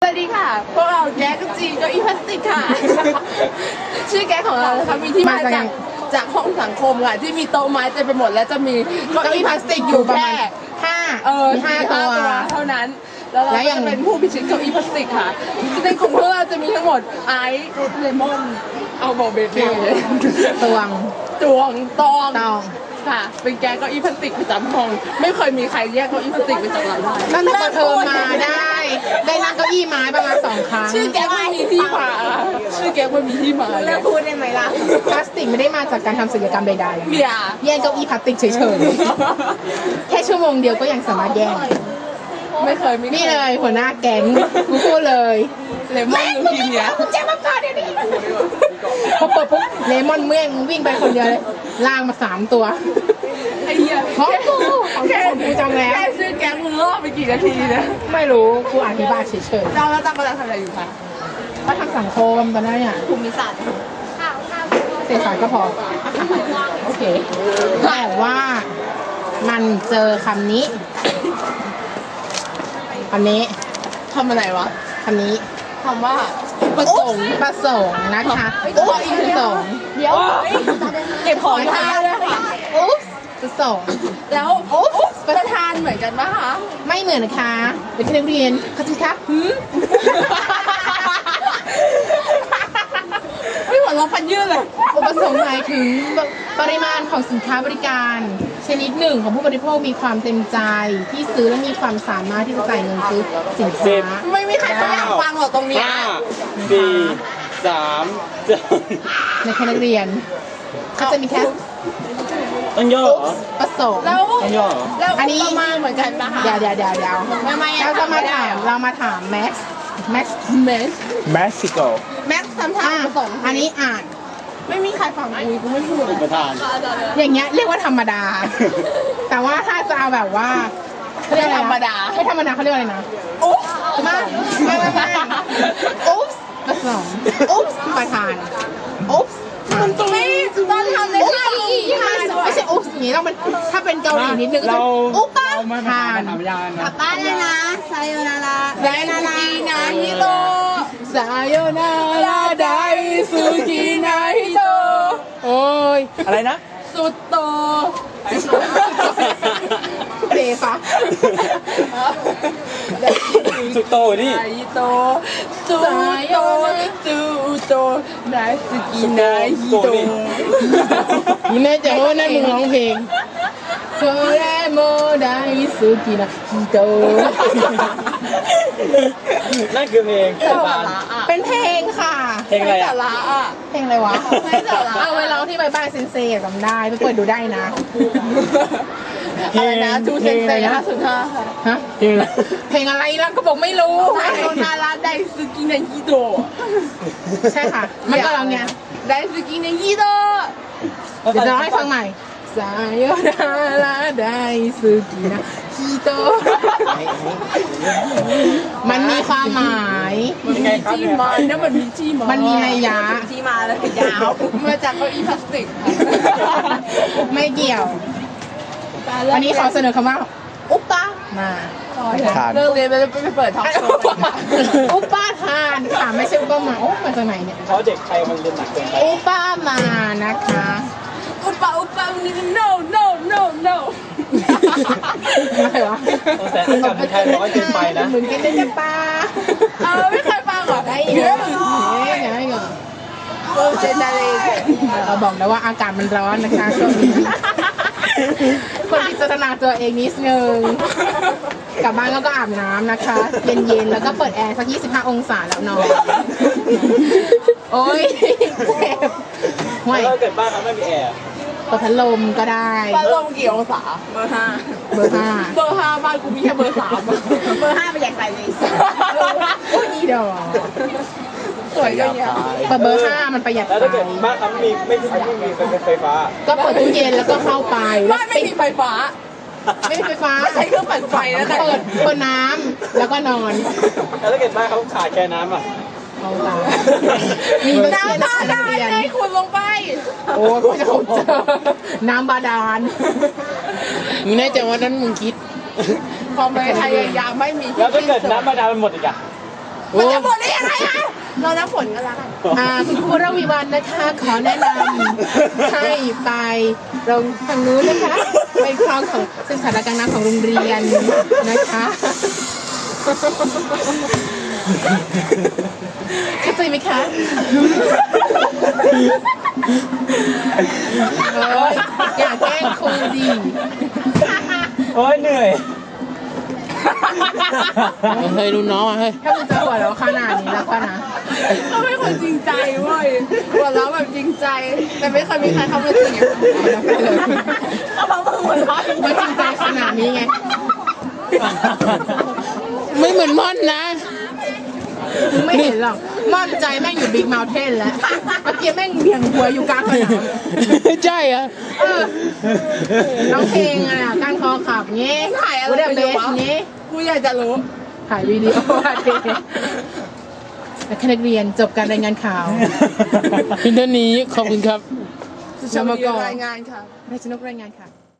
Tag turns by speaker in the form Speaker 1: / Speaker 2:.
Speaker 1: วัสดีค่ะพวกเราแก๊กจีเก้าอี้พลาสติกค่ะชื่อแก๊กของเรานะคะมีที่มาจากห้องสังคมค่ะที่มีโต๊ะไม้เต็มไปหมดแล้วจะมีเก้าอี้พลาสติกอยู่ประมาณห้าตัวเท่านั้นแล้วเราจะเป็นผู้พิชิตเก้าอี้พลาสติกค่ะในกลุ่มพวกเราจะมีทั้งหมดไอซ์เลมอนเอาโบเบบี้
Speaker 2: ตวง
Speaker 1: ตองค่ะเป็นแก๊กเก้าอี้พลาสติกประจำห้องไม่เคยมีใครแยกเก้าอี้พลาสติกไปจากเราได้
Speaker 2: ตั้งแต่เธอมาได้นั่งเก้าอี้ไม้ประมาณ2 ครั้ง
Speaker 1: ชื่อแก๊กไม่มีที่มาชื่อแก๊กไม่มีที่มา
Speaker 3: เลิกพูดได้ไหมล่ะ
Speaker 2: พลาสติกไม่ได้มาจากการทำศิลปกรรมใด
Speaker 1: ๆ
Speaker 2: แย่งเก้าอี้พลาสติกเฉยๆแค่ชั่วโมงเดียวก็ยังสามารถแย่ง
Speaker 1: ไม่เคย
Speaker 2: นี่เลยหัวหน้าแก๊งกูพูดเลย
Speaker 1: เลมอนลูทีเนี้ย
Speaker 2: เจ๊มาก่อนเดี๋ยวนี้พอเปิดปุ๊บเลมอนเมื่องวิ่งไปคนเดียวเลยล่างมา3 ตัว
Speaker 1: ไอ้เหี้ย
Speaker 2: ของกูจำแล้ว
Speaker 1: แค่ซื้อแก๊งมึงรอบไปกี่นาทีนะ
Speaker 2: ไม่รู้กูอธิบายเฉยๆ
Speaker 1: แล้วตั้งกำลังทำอะไรอยู่คะ
Speaker 2: ก็ทำสังคมตอนนั้นเนี่ย
Speaker 3: ภูมิศาสตร์
Speaker 2: เศรษฐศาสตร์ก็พอโอเคแต่ว่ามันเจอคำนี้
Speaker 1: ทำอะไรวะ
Speaker 2: คำนี้
Speaker 1: คำว่าประสงค์
Speaker 2: นะคะประสงค์
Speaker 1: เดี๋ยวเก็บของทานเลยค่ะ
Speaker 2: ประสงค์
Speaker 1: แล้วประธานเหมือนกันปะคะ
Speaker 2: ไม่เหมือนนะคะเป็นนักเรียนคติครับ
Speaker 1: ไม่หัวเราะพันยืดเลย
Speaker 2: ประสงค์หมายถึงปริมาณของสินค้าบริการชนิดหนึ่งของผู้บริโภคมีความเต็มใจที่ซื้อและมีความสามารถที่จะจ่ายเงินซื้อสินค้า
Speaker 1: ไม่มีใครเขาอยากฟังหรอกตรงนี้
Speaker 4: 5 4 3
Speaker 2: ในคณะนักเรียนก็จะมีแค่
Speaker 4: ต้องย่อเหรอ
Speaker 2: ประสงค์
Speaker 1: แล้ว
Speaker 4: ต้องย่อ
Speaker 1: แล้วอันนี้มาเหมือนกันปะคะ
Speaker 2: เดี๋ยวเราจะมาถามแม็กซ์
Speaker 4: เม็กซิโก
Speaker 1: แม็กซ์ทำท่าประสงค์
Speaker 2: อันนี้อ่าน
Speaker 1: ไม่มีใครฟังกูไม่พูด
Speaker 4: ประธาน
Speaker 2: อย่างเงี้ยเรียกว่าธรรมดาแต่ว่าถ้าจะเอาแบบว่า
Speaker 1: ไม่ธรรมดา
Speaker 2: เขาเรียกอะไรนะ
Speaker 1: อุ๊บ
Speaker 2: ไม่อุ๊บประสงค์อุ๊บประธานอุ๊บ
Speaker 1: มันตรงนี้ตอนทำในท่า
Speaker 2: ไม่ใช่อุ๊บอย่างนี้ต้องเป็นถ้าเป็นเกาหลีนิดนึงก็จะอุ๊บป้าทาน
Speaker 3: กลับบ้านเลยนะไซโยนารา
Speaker 1: ไดนาฮิโต
Speaker 2: ไซโยนาราไดซูกินาฮิโตโอ้ย
Speaker 4: อะไรนะ
Speaker 1: สุดโต
Speaker 2: เดฟะ
Speaker 4: สุดโตนี่
Speaker 1: ไซโตสุดโตไดซูกินาฮิโต
Speaker 2: นี่แน่ใจว่านั่นมึงร้องเพลงโซเรโมไดซูกินาฮิโต
Speaker 4: นั่นคือเพลง
Speaker 2: เป็นเพลงค่ะ
Speaker 4: เพลงอะไรอ่ะ
Speaker 2: เพลงอะไรวะเอาไว้ร้องที่ใบบ้านเซนเซ่จำได้ไปเปิดดูได้นะ
Speaker 1: อะไรนะทูเซนเซ่505
Speaker 2: ฮะเพลงอะไรล่ะก็บอกไม่รู้
Speaker 1: ไซโยนาราไดซูกินาฮิโต
Speaker 2: ใช่ค่ะมันก็ร้องเนี่ย
Speaker 1: ไดซูกินาฮิโต
Speaker 2: เดี๋ยวจะร้องให้ฟังใหม่ไซโยนาราไดซูกินาฮิโตมันมีความหมาย
Speaker 1: ที่มาเนี่ยมันมีที่มา
Speaker 2: มันมีนัยยะ
Speaker 3: ที่มาแล้วยาว
Speaker 1: มาจากเก้าอี้พลาสติก
Speaker 2: ไม่เกี่ยววันนี้ขอเสนอคำว่าอุ๊ปป้ามา
Speaker 1: เลิกเรียนไปเปิดท็อปโชว์
Speaker 2: อุ๊ปป้าทานค่ะไม่ใช่อุ๊ปป้ามาอุ๊ปมาจากไหนเนี่ย
Speaker 4: เขาเด็กไทยมันเรียนหนักเกินไป
Speaker 2: อุ๊ปป้ามานะคะ
Speaker 1: อุ๊ปป้านี่ no
Speaker 2: อะไรวะ
Speaker 4: แต่ถ้ากับไทยร้อยเกินไปนะ
Speaker 2: เหมือนกันได้ปะ
Speaker 1: ไม่เคยฟังหรอ
Speaker 2: ได้เยอะไงเหรอ
Speaker 1: เจนอะไร
Speaker 2: เราบอกแล้วว่าอากาศมันร้อนนะคะช่วงนี้คนพิจารณาตัวเองนิดนึงกลับบ้านแล้วก็อาบน้ำนะคะเย็นๆแล้วก็เปิดแอร์สัก25 องศาแล้วนอนโอ้ยเจ็บ
Speaker 4: ห่วยถ้าเกิดบ้านเขาไม่มีแอร์
Speaker 2: เปิดพัดลมก็ได้
Speaker 1: พัดลมกี่องศาเบอร์ 5บ้านกูมีแค่เบอร์ 3
Speaker 3: เบอร์ 5ไปอยากใส่เลย
Speaker 2: โอ้ยอีดอก
Speaker 1: สวยก็เยอะ
Speaker 2: เบอร์ 5มันประหยัดไฟ
Speaker 4: แล้วถ้าเกิดบ้านเขาไม่มีไฟฟ้า
Speaker 2: ก็เปิดตู้เย็นแล้วก็เข้าไป
Speaker 1: ไม่มีไฟฟ้า
Speaker 2: ไม่มีไฟฟ้า
Speaker 1: ใช้เครื่องปั่นไฟแล้ว
Speaker 2: เปิดน้ำแล้วก็นอน
Speaker 4: แล้วถ้าเกิดบ้านเขาขาดแค่น้ำอ่ะ
Speaker 2: เอาตามี
Speaker 1: น้ำบาดาลให้คุณลงไป
Speaker 2: โอ้ยจะเจอน้ำบาดาลมึงแน่ใจว่านั้นมึงคิด
Speaker 1: ความพยายามไม่มี
Speaker 4: แล้วถ้าเกิดน้ำบาดาลมันหมดอีกอ่ะ
Speaker 1: มันจะหมดได้ยังไงอะเรานับผลกันแล้วกัน
Speaker 2: คุณครูระวีวันนะคะ ขอแนะนำให้ไปลงทางนู้นนะคะ ไปคลองของซึ่งสถานการณ์น้ำของโรงเรียนนะคะเข้าใจไหมคะอย่าแกล้งครูดิ
Speaker 4: โอ้ยเหนื่อย
Speaker 1: เฮ้ยรุ่นน้องอ่ะเฮ้ย
Speaker 2: ถ้ามึงจะหัวเราะขนาดนี้แล้วก็นะ
Speaker 1: เขาเป็นคนจริงใจเว้ยหัวเราะแบบจริงใจ แต่ไม่เคยมีใครทำอะไรจริงอย่างนั้นเลย
Speaker 3: เขาบอกมึงหัวเราะ
Speaker 2: ไม่จริงใจขนาดนี้ไง
Speaker 1: ไม่เหมือนม่อนนะ
Speaker 2: มึงไม่เห็นหรอกม่อนใจแม่งอยู่บิ๊กเมลเทนแล้วเมื่อกี้แม่งเบี่ยงหัวอยู่กลางสนาม
Speaker 1: ใช่เหรอ
Speaker 2: ร้องเพลงอ่ะการคอขับงี้
Speaker 1: ถ่ายอะไร
Speaker 2: กูเด
Speaker 1: ไป
Speaker 2: เบ
Speaker 1: ดู
Speaker 2: ส
Speaker 1: วะ
Speaker 2: งี้
Speaker 1: กูอยากจะรู้
Speaker 2: ถ่ายวิดีโออ่ะเด็กและคณะเรียนจบการรายงานข่าว
Speaker 1: เพียงเท่านี้ขอบคุณครับ
Speaker 2: จะมาก่อน
Speaker 1: รายงานค่ะ
Speaker 2: นายชนกรายงานค่ะ